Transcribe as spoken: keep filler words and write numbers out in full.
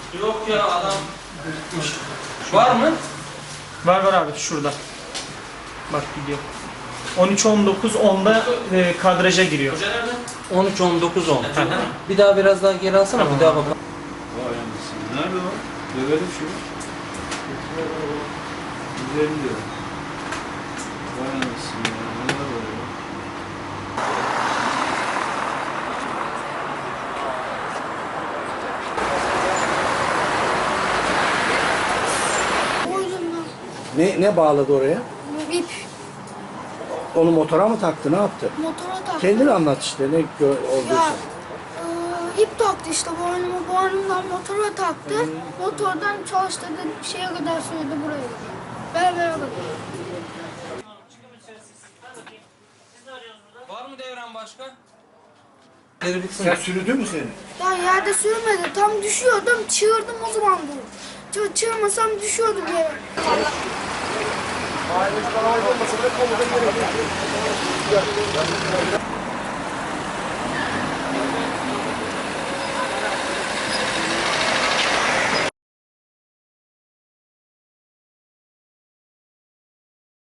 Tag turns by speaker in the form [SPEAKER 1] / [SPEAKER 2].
[SPEAKER 1] Yok ya adam. Var mı?
[SPEAKER 2] Var var abi şurada. Bak gidiyor. on üç on dokuz onda e, kadraja giriyor.
[SPEAKER 1] Hoca nerede?
[SPEAKER 3] on üç on dokuz on. Bir daha biraz daha geri alsana, tamam. Bir daha bakalım.
[SPEAKER 4] Vay anasını. Nerede o? Dövelim şunu. Güzelim diyor. Vay anasını ya. Neler var ya?
[SPEAKER 5] Ne, ne bağladı oraya?
[SPEAKER 6] İp.
[SPEAKER 5] Onu motora mı taktı, ne yaptı?
[SPEAKER 6] Motora taktı.
[SPEAKER 5] Kendini anlat işte ne gö-
[SPEAKER 6] Ya
[SPEAKER 5] olduysa.
[SPEAKER 6] e, ip taktı işte boynuma, boynumdan motora taktı. Motordan çalıştırdı, şeye kadar sürdü buraya. Berbere kadar.
[SPEAKER 1] Var mı devren başka?
[SPEAKER 3] Geri bitsin.
[SPEAKER 5] Sen sürüdü mü seni?
[SPEAKER 6] Ya yerde sürmedi, tam düşüyordum, çığırdım o zaman bu. Çı çığırmasam düşüyordum yere.
[SPEAKER 5] Aile falan olmasa da komuda gerekiyor.